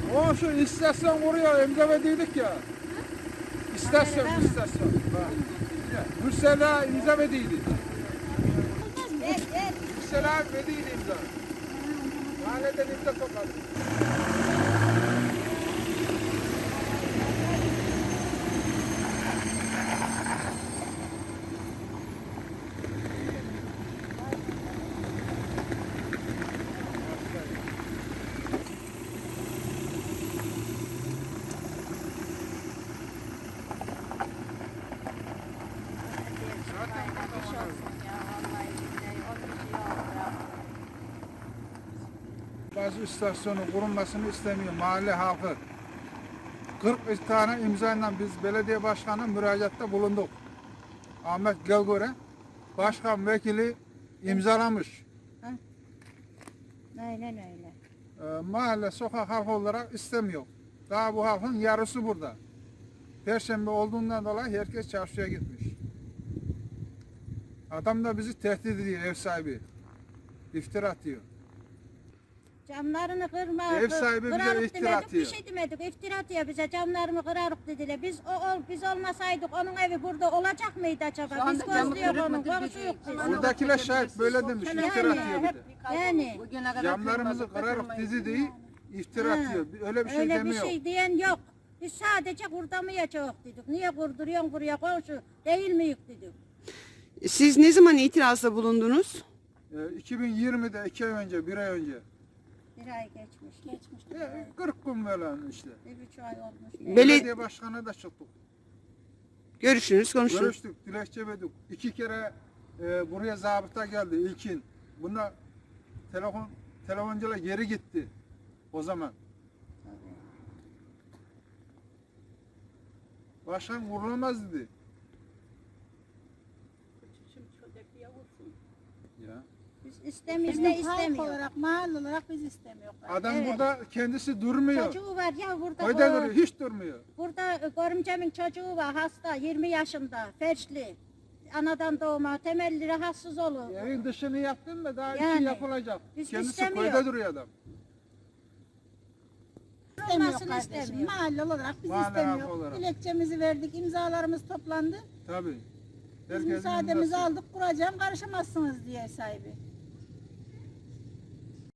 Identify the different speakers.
Speaker 1: O şu istasyon vuruyor, imza verdiydik ya. İstasyon. Bak. Mürsela imza verdiydik. Mürsela verdiydi imza. Mahalleden imza topladık. Bazı istasyonun kurulmasını istemiyor mahalle halkı. 40 tane imzayla biz belediye başkanı müracaatta bulunduk. Ahmet Gelgöre başkan vekili imzalamış.
Speaker 2: Aynen öyle.
Speaker 1: Mahalle sokak halkı olarak istemiyor. Daha bu halkın yarısı burada. Perşembe olduğundan dolayı herkes çarşıya gitmiş. Adam da bizi tehdit ediyor, ev sahibi. İftira atıyor.
Speaker 2: Camlarını kırma,
Speaker 1: Ev sahibi bize
Speaker 2: kırarık
Speaker 1: iftira
Speaker 2: demedik,
Speaker 1: atıyor.
Speaker 2: bir şey demedik. İftira atıyor bize, camlarımı kırarık dediler. Biz olmasaydık onun evi burada olacak mıydı acaba? Biz gözlüyoruz onun, konuşuyoruz biz.
Speaker 1: Buradakiler şahit böyle demiş, iftira atıyor bir de.
Speaker 2: Yani
Speaker 1: Camlarımızı kırarık dizi değil, iftira atıyor. Öyle bir şey
Speaker 2: öyle bir
Speaker 1: demiyor.
Speaker 2: şey diyen yok. Biz sadece kurdamayacağız dedik. Niye kurduruyorsun buraya komşu? Değil miyiz dedik.
Speaker 3: Siz ne zaman itirazda bulundunuz?
Speaker 1: 2020'de 2 ay önce, 1 ay önce.
Speaker 2: Bir ay geçmiş.
Speaker 1: 40 gün böyle işte.
Speaker 2: Bir buçuk ay olmuş.
Speaker 1: Belediye başkanı da çıktık.
Speaker 3: Görüşünüz, konuştunuz.
Speaker 1: Görüştük, dilekçe verdik. 2 kere buraya zabıta geldi ilkin. Bunda telefoncular geri gitti o zaman. Başkan vurulamaz dedi. Ya.
Speaker 2: Biz istemiyoruz
Speaker 4: Biz
Speaker 2: da
Speaker 4: halk
Speaker 2: istemiyoruz.
Speaker 4: olarak, mahalle olarak biz istemiyoruz.
Speaker 1: Adam
Speaker 2: Evet.
Speaker 1: burada kendisi durmuyor.
Speaker 2: Çocuğu var ya burada.
Speaker 1: Köyde duruyor, hiç durmuyor.
Speaker 2: Burada görümcemin çocuğu var hasta 20 yaşında felçli. Anadan doğma temelli rahatsız olur.
Speaker 1: Evin dışını yaptın mı daha
Speaker 2: Yani,
Speaker 1: içi yapılacak.
Speaker 2: biz
Speaker 1: Kendisi
Speaker 2: istemiyor.
Speaker 1: köyde duruyor adam.
Speaker 4: İstemiyor
Speaker 2: Olmasını
Speaker 4: kardeşim.
Speaker 2: istemiyor.
Speaker 4: Mahalle olarak biz
Speaker 1: Mahalle halkı
Speaker 4: istemiyoruz.
Speaker 1: olarak.
Speaker 4: Dilekçemizi verdik, imzalarımız toplandı.
Speaker 1: Tabii.
Speaker 4: Biz
Speaker 1: Herkesin
Speaker 4: müsaademizi
Speaker 1: imzası.
Speaker 4: aldık, kuracağım, karışamazsınız diye sahibi.